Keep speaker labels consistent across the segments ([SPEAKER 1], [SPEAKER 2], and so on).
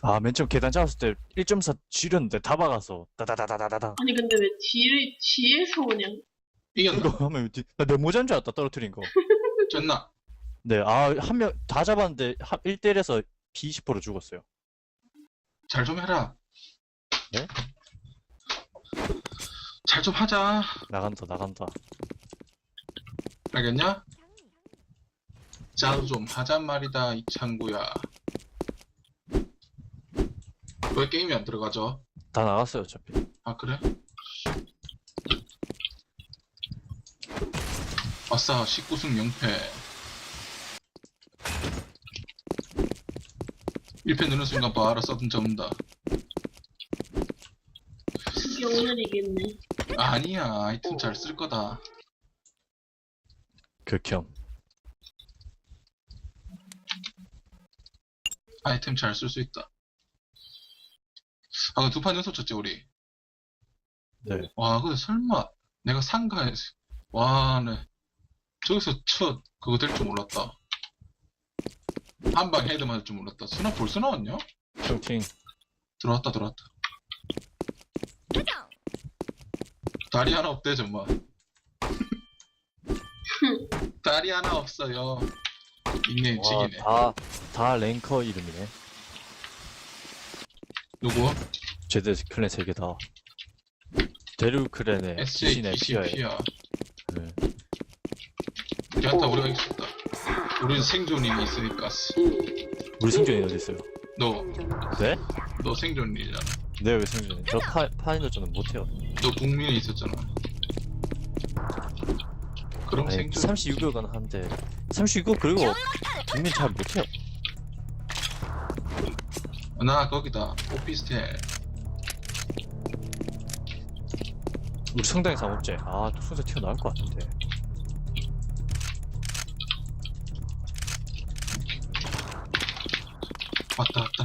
[SPEAKER 1] 아, 맨 처음 계단 잡았을 때 1.4 지렸는데 다 박아서 다다다다다다다.
[SPEAKER 2] 아니 근데 왜 뒤에서 그냥
[SPEAKER 1] 이거
[SPEAKER 3] 이겼나?
[SPEAKER 1] 하면 나내 모자인 줄 알았다 떨어뜨린 거.
[SPEAKER 3] 졌나?
[SPEAKER 1] 네, 아, 한 명 다 잡았는데 1대1에서 P20% 죽었어요.
[SPEAKER 3] 잘 좀 해라.
[SPEAKER 1] 네?
[SPEAKER 3] 잘 좀 하자.
[SPEAKER 1] 나간다.
[SPEAKER 3] 알겠냐? 잘 좀 하잔 말이다, 이창구야. 왜 게임이 안 들어가죠?
[SPEAKER 1] 다 나갔어요, 어차피.
[SPEAKER 3] 아, 그래? 아싸, 19승 0패. 1패 누는 순간 봐라, 서든 접는다.
[SPEAKER 2] 그게 오늘이겠네.
[SPEAKER 3] 아니야, 아이템 잘 쓸 거다.
[SPEAKER 1] 극혐.
[SPEAKER 3] 아이템 잘 쓸 수 있다. 아, 두 판 연속 쳤지, 우리.
[SPEAKER 1] 네.
[SPEAKER 3] 와, 근데 설마 내가 상가에서 와, 네. 저기서 첫 그거 될 줄 몰랐다. 한 방 헤드 맞을 줄 몰랐다. 스나 벌써 나왔냐?
[SPEAKER 1] 쇼팅.
[SPEAKER 3] 들어왔다. 다리 하나 없대, 정말. 다리 하나 없어요. 닉네임
[SPEAKER 1] 와,
[SPEAKER 3] 찍이네.
[SPEAKER 1] 다 랭커 이름이네.
[SPEAKER 3] 누구?
[SPEAKER 1] 제드 클랜 3개 다. 데르 클랜의 귀신의 피어에.
[SPEAKER 3] SATCP야.
[SPEAKER 1] 네.
[SPEAKER 3] 괜찮다, 우리가 이겼다. 우리는 생존인이 있으니까.
[SPEAKER 1] 우리 생존이 어디 있어요?
[SPEAKER 3] 너
[SPEAKER 1] 네?
[SPEAKER 3] 생존인이잖아.
[SPEAKER 1] 네, 왜 생존이? 저 파인더전은 못해요.
[SPEAKER 3] 너 국민에 있었잖아. 그럼
[SPEAKER 1] 아니,
[SPEAKER 3] 생존.
[SPEAKER 1] 32극은 한데 32극 그리고 국민 잘 못해요.
[SPEAKER 3] 나 거기다 오피스텔.
[SPEAKER 1] 우리 성당에 사먹지. 아, 순서 튀어나올 것 같은데.
[SPEAKER 3] 왔다.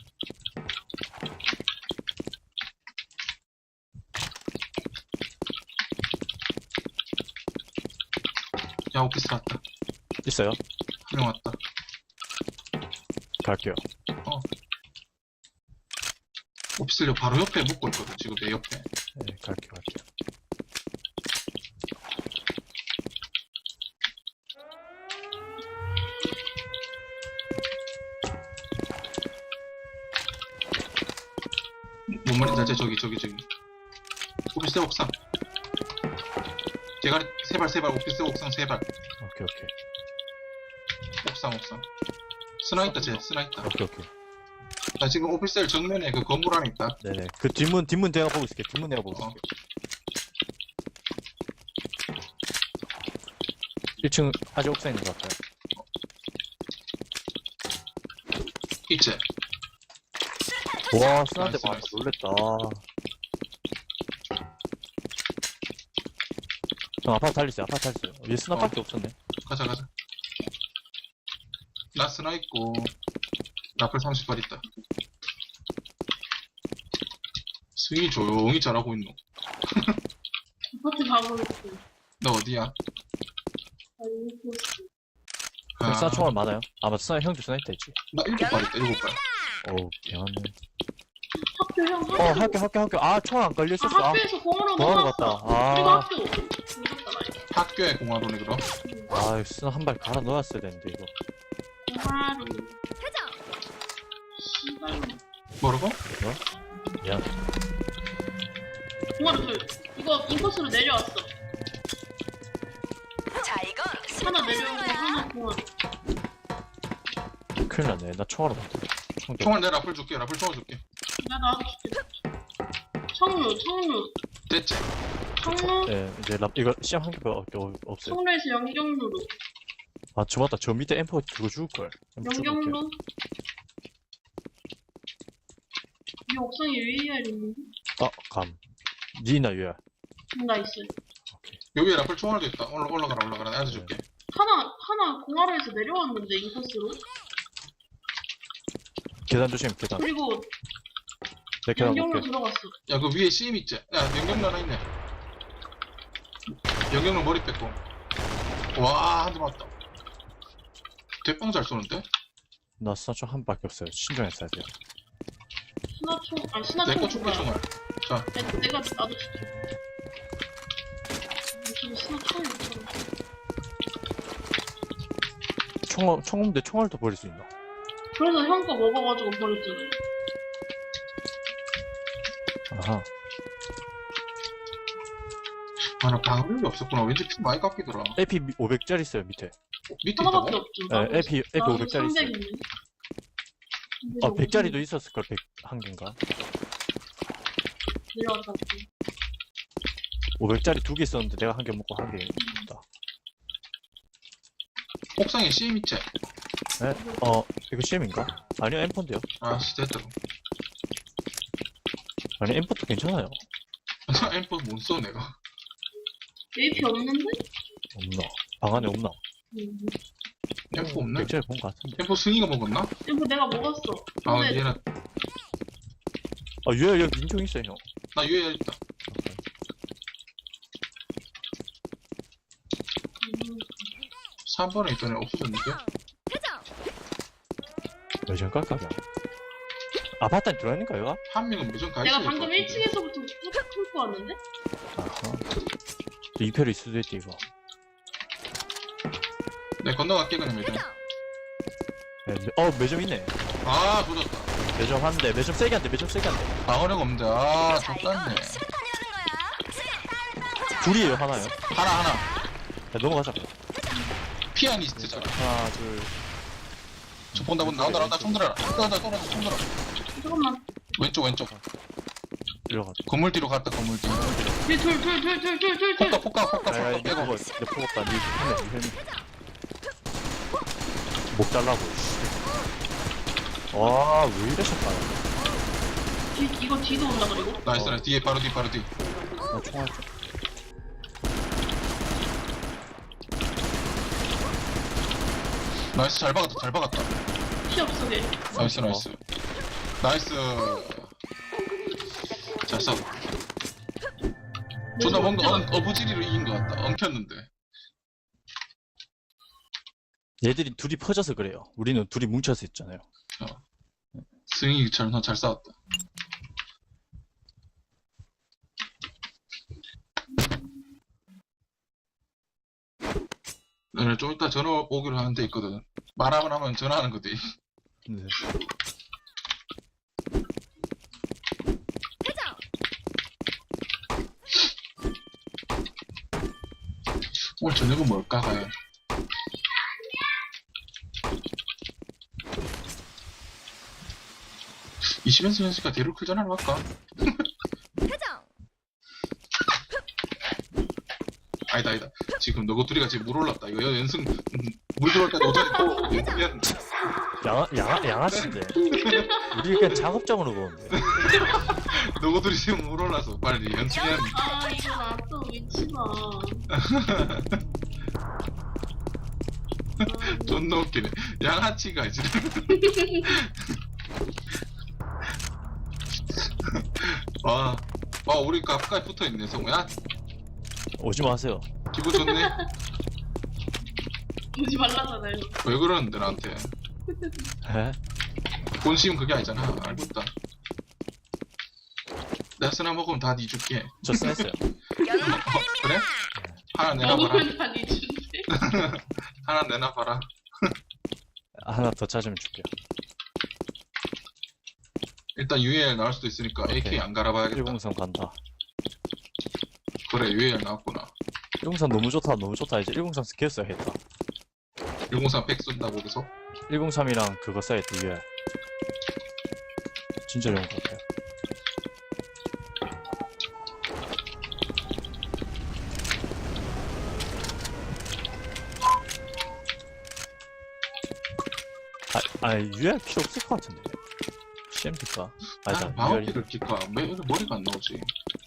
[SPEAKER 3] 야, 오피스 왔다.
[SPEAKER 1] 있어요?
[SPEAKER 3] 한 명 왔다.
[SPEAKER 1] 갈게요.
[SPEAKER 3] 오피스텔 바로 옆에 묶고 있거든, 지금 내 옆에.
[SPEAKER 1] 네, 갈게요.
[SPEAKER 3] 뭔 말인지 알지? 저기. 오피스텔 옥상. 대가리 세 발, 오피스텔 옥상 세 발.
[SPEAKER 1] 오케이.
[SPEAKER 3] 옥상. 스나 있다, 스나 있다.
[SPEAKER 1] 오케이.
[SPEAKER 3] 나 지금 오피스텔 정면에 그 건물 안에 있다.
[SPEAKER 1] 네네. 그 뒷문 내가 보고 있을게. 뒷문 내가 보고
[SPEAKER 3] 어.
[SPEAKER 1] 있을게. 1층 아직 옥상에 있는 것 같아요.
[SPEAKER 3] 있지?
[SPEAKER 1] 와, 스나한테
[SPEAKER 3] 나이스,
[SPEAKER 1] 맞아.
[SPEAKER 3] 나이스.
[SPEAKER 1] 놀랬다. 형, 아파트 달리세요. 얘 스나밖에 없었네.
[SPEAKER 3] 가자. 나 스나 있고, 라플 30발 있다. 스윙이 조용히 잘하고 있노.
[SPEAKER 2] 아파트 가고 있어.
[SPEAKER 3] 너 어디야?
[SPEAKER 2] 알고 있어.
[SPEAKER 1] 형, 스나 총알 많아요? 아, 맞다. 스나, 형도 스나 있다 했지.
[SPEAKER 3] 나 7발 있다, 7발.
[SPEAKER 1] 어우, 개하네.
[SPEAKER 2] 학교 형
[SPEAKER 1] 학교. 아, 총알 안 걸려있었어. 아,
[SPEAKER 2] 학교에서 공으로
[SPEAKER 1] 공항으로
[SPEAKER 2] 넘어갔어.
[SPEAKER 1] 갔다.
[SPEAKER 2] 그리고
[SPEAKER 1] 아,
[SPEAKER 2] 학교. 늦었다 나.
[SPEAKER 3] 학교에 공화로네, 그럼?
[SPEAKER 1] 아, 스나 한 발 갈아 넣었어야 되는데, 이거.
[SPEAKER 2] 하루. 씨발.
[SPEAKER 3] 뭐라고?
[SPEAKER 1] 미안.
[SPEAKER 2] 공화로 둘. 이거 인코스로 내려왔어.
[SPEAKER 4] 자, 이건
[SPEAKER 2] 하나 내려오고 하나 공화로.
[SPEAKER 1] 큰일 났네. 나 총알 없다.
[SPEAKER 3] 총알 내 라플 줄게, 라플 총알 줄게.
[SPEAKER 2] 나도 줄게. 청루.
[SPEAKER 3] 됐지?
[SPEAKER 2] 청루.
[SPEAKER 1] 네, 이제 이거 시험 한 개밖에 없어요.
[SPEAKER 2] 청루에서 영경루로.
[SPEAKER 1] 아, 저 맞다. 저 밑에 엠퍼 그거 죽을걸.
[SPEAKER 2] 영경루. 이 옥상에 UAR 있는데?
[SPEAKER 1] 아, 감. 니나 유야.
[SPEAKER 2] 나 있어요.
[SPEAKER 3] 여기에 라플 총알도 있다. 올라가라. 내가 줄게.
[SPEAKER 2] 하나 공화로에서 내려왔는데 인코스로.
[SPEAKER 1] 계단 조심, 계단.
[SPEAKER 2] 그리고
[SPEAKER 1] 내 계단
[SPEAKER 2] 영경로
[SPEAKER 1] 볼게.
[SPEAKER 2] 들어갔어.
[SPEAKER 3] 야, 그 위에 CM 있지? 야, 영경로 하나 있네. 영경로 머리 뺐고. 와, 한 대 맞다. 대빵 잘 쏘는데?
[SPEAKER 1] 나 스나 총한 밖에 없어요. 신중히 써야 돼요.
[SPEAKER 3] 내거
[SPEAKER 2] 신화총
[SPEAKER 3] 줄게, 총알. 자,
[SPEAKER 2] 내가 나도 줄게. 지금 신화총이 있잖아.
[SPEAKER 1] 총 없는데 총알도 버릴 수 있나?
[SPEAKER 2] 그래서 형 거 먹어가지고 버렸잖아.
[SPEAKER 1] 아하.
[SPEAKER 3] 아, 나 방울이 없었구나. 왠지 피 많이 깎이더라.
[SPEAKER 1] AP 500짜리 있어요 밑에.
[SPEAKER 3] 밑에 있다고?
[SPEAKER 2] 하나밖에 없죠.
[SPEAKER 1] 네, AP 500짜리 있어요.
[SPEAKER 2] 300 있네.
[SPEAKER 1] 아 100짜리도 있었을 걸 101개인가?
[SPEAKER 2] 내려왔다. 올게.
[SPEAKER 1] 500짜리 2개 있었는데 내가 한 개 먹고 한 개 있다.
[SPEAKER 3] 옥상에 CM 있지?
[SPEAKER 1] 네? 이거 CM인가? 아니요 M4인데요.
[SPEAKER 3] 아, 됐다.
[SPEAKER 1] 아니 M4도 괜찮아요.
[SPEAKER 3] 엠퍼 못 써, 내가.
[SPEAKER 2] AP 없는데?
[SPEAKER 1] 없나? 방 안에 없나?
[SPEAKER 2] 음.
[SPEAKER 3] 엠퍼 없네?
[SPEAKER 1] 100짜리 본 거 같은데.
[SPEAKER 3] 엠퍼 승희가 먹었나?
[SPEAKER 2] 이거 내가 먹었어.
[SPEAKER 3] 아,
[SPEAKER 2] 근데
[SPEAKER 3] 얘는,
[SPEAKER 1] 아 유야 여기 민총 있어요 형.
[SPEAKER 3] 나 유에 있다.
[SPEAKER 2] 음,
[SPEAKER 3] 3번에 있던 애 없어졌는데?
[SPEAKER 1] 매점 깔까요? 아파트 안에 들어있는 거야 얘가?
[SPEAKER 3] 한 명은 무슨 가있어.
[SPEAKER 2] 내가 방금 1층에서부터 툭 뚫고 왔는데?
[SPEAKER 1] 아하. 또 2패로 있을 수도 있지 이거.
[SPEAKER 3] 내 건너갈게, 그냥 매점.
[SPEAKER 1] 매점 있네.
[SPEAKER 3] 아, 조졌다.
[SPEAKER 1] 매점 한대. 매점 세게 한대. 매점 세게 한대.
[SPEAKER 3] 방어력 없는데, 아, 족같네.
[SPEAKER 1] 둘이에요 하나요?
[SPEAKER 3] 하나.
[SPEAKER 1] 야, 넘어가자.
[SPEAKER 3] 피아니스트잖아.
[SPEAKER 1] 하나 둘.
[SPEAKER 3] 저 본다, 나온다, 총 들어라. 총 들어.
[SPEAKER 2] 잠깐만.
[SPEAKER 3] 왼쪽.
[SPEAKER 1] 일로 가.
[SPEAKER 3] 건물 뒤로 갔다, 건물 뒤.
[SPEAKER 2] 뒤에 둘.
[SPEAKER 3] 폭가
[SPEAKER 1] 야야
[SPEAKER 3] 빼고.
[SPEAKER 1] 이거 내 포갑다. 니 헬멧. 목 달라고. 왜 이러실까요?
[SPEAKER 2] 이거 뒤도 온다 그리고.
[SPEAKER 3] 나이스, 뒤에, 바로 뒤.
[SPEAKER 1] 나 총알 좀.
[SPEAKER 3] 나이스, 잘 박았다.
[SPEAKER 2] 피 없어 걔.
[SPEAKER 3] 나이스. 잘 싸워. 존나 뭔가 어부지리로 이긴 것 같다. 엉켰는데.
[SPEAKER 1] 얘들이 둘이 퍼져서 그래요. 우리는 둘이 뭉쳐서 있잖아요.
[SPEAKER 3] 승희처럼 잘 싸웠다. 오늘 좀 이따 전화 오기로 하는 데 있거든. 말하고 나면 전화하는 거지.
[SPEAKER 1] 네.
[SPEAKER 3] 오늘 저녁은 뭘까, 과연? 이시면서 현수가 데루클 전화를 할까? 아니다. 지금 너희 둘이가 지금 물 올랐다. 이거 연승, 물 들어올 때 오전에 또 연승이었는데.
[SPEAKER 1] 양아치인데. 우리 그냥 작업장으로 보는데.
[SPEAKER 3] 너희 둘이 지금 물 올라서 빨리 연승이었는데.
[SPEAKER 2] 아 이거 나또 미치다.
[SPEAKER 3] 존나 웃기네. 양아치가 지금. 와, 우리 가까이 붙어 있네, 성우야.
[SPEAKER 1] 오지 마세요.
[SPEAKER 3] 기분 좋네.
[SPEAKER 2] 오지 말라잖아요.
[SPEAKER 3] 왜 그러는데 나한테?
[SPEAKER 1] 에?
[SPEAKER 3] 본심은 그게 아니잖아. 알고 있다. 내가 쓰나 먹으면 다 니 줄게.
[SPEAKER 1] 저 쐈어요.
[SPEAKER 3] 그래? 하나 내놔봐라.
[SPEAKER 2] 먹으면 다 니준데.
[SPEAKER 3] 하나 내놔봐라.
[SPEAKER 1] 하나 더 찾으면 줄게요.
[SPEAKER 3] 일단 UAL 나올 수도 있으니까
[SPEAKER 1] 오케이.
[SPEAKER 3] AK 안 갈아봐야겠다.
[SPEAKER 1] 103 간다.
[SPEAKER 3] 그래, UAL 나왔구나.
[SPEAKER 1] 103 너무 좋다. 이제 103 스킬 써야겠다.
[SPEAKER 3] 103 100 쏜다고 계속.
[SPEAKER 1] 103이랑 그거 써야겠다, 위에. 진짜 좋은 것 같아. UR 필요 없을 것 같은데. CMD가? 아니다, UR이.
[SPEAKER 3] 마우키를 킬까? 왜 머리가 안 나오지?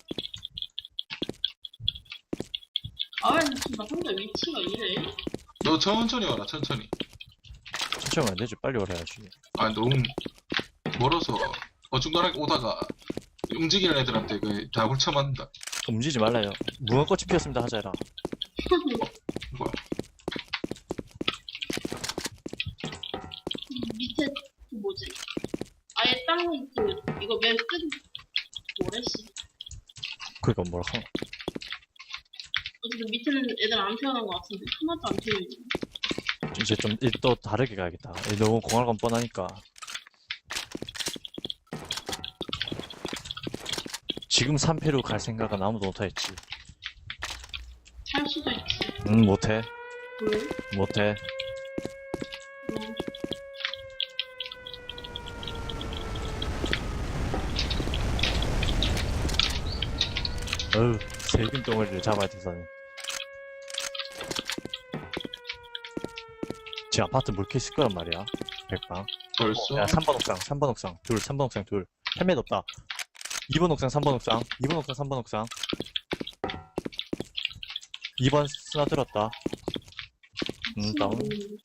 [SPEAKER 2] 아왜 지금 나 혼자 위치가 이래?
[SPEAKER 3] 너 천천히 와라, 천천히.
[SPEAKER 1] 천천히 안 되지, 빨리 오래야지.
[SPEAKER 3] 아, 너무 멀어서 어중간하게 오다가 움직이는 애들한테 다 훑쳐맞는다.
[SPEAKER 1] 움직이지 말라요. 무궁꽃이 피었습니다, 하자라.
[SPEAKER 3] 뭐야?
[SPEAKER 2] 밑에 그 뭐지? 아예 땅 그 이거 맨 끝. 뭐래, 씨.
[SPEAKER 1] 그니까 뭐라 하나.
[SPEAKER 2] 어쨌든 밑에는 애들 안 태어난 것 같은데. 하나도 안 태어있네.
[SPEAKER 1] 이제 좀 또 다르게 가야겠다. 너무 공활감 뻔하니까. 지금 3패로 갈 생각은 아무도 못하겠지.
[SPEAKER 2] 살 수도 있지.
[SPEAKER 1] 못해.
[SPEAKER 2] 왜?
[SPEAKER 1] 못해.
[SPEAKER 2] 뭐.
[SPEAKER 1] 어휴, 세균 덩어리를 잡아야 돼서는. 제 아파트 물캐 있을 거란 말이야. 백방.
[SPEAKER 3] 벌써?
[SPEAKER 1] 야, 3번 옥상, 3번 옥상, 둘, 3번 옥상, 둘. 헬멧 없다. 2번 옥상, 3번 옥상, 2번 옥상, 3번 옥상. 2번 스나 들었다. 다운.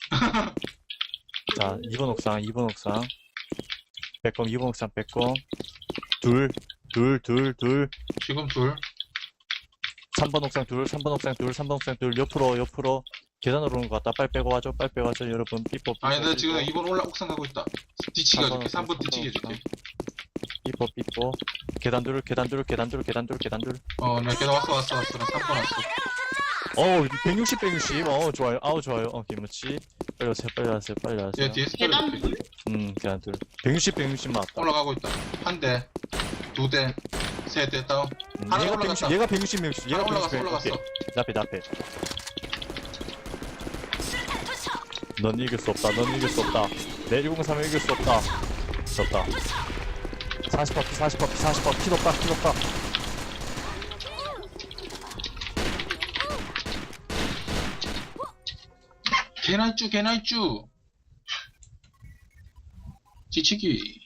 [SPEAKER 1] 자, 2번 옥상, 2번 옥상. 빼꼼, 2번 옥상 빼꼼. 둘, 둘.
[SPEAKER 3] 지금 둘.
[SPEAKER 1] 3번 옥상 둘, 3번 옥상 둘, 3번 옥상 둘. 옆으로. 계단으로 오는 것 같다. 빨리 빼고 와줘, 여러분. 삐뽀.
[SPEAKER 3] 아니, 나 지금 2번 옥상 가고 있다. 뒤치기 해줄게. 3번 뒤치기 해줄게.
[SPEAKER 1] 삐뽀. 계단 둘.
[SPEAKER 3] 내가 계단 왔어. 나 3번 왔어.
[SPEAKER 1] 160. 좋아요. 좋아요. 김치. 빨리 와세요.
[SPEAKER 3] 얘 뒤에
[SPEAKER 2] 계단
[SPEAKER 3] 스토리.
[SPEAKER 2] 둘?
[SPEAKER 1] 계단 둘. 160 맞다.
[SPEAKER 3] 올라가고 있다. 한 대, 두 대, 세 대 다운. 하나
[SPEAKER 1] 얘가
[SPEAKER 3] 올라갔다.
[SPEAKER 1] 160. 얘가 160.
[SPEAKER 3] 하나 올라갔어.
[SPEAKER 1] 오케이. 내 앞에. 넌 이길 수 없다. 내 103을 이길 수 없다. 졌다. 40% 킬 없다.
[SPEAKER 3] 개날쭈. 뒤치기.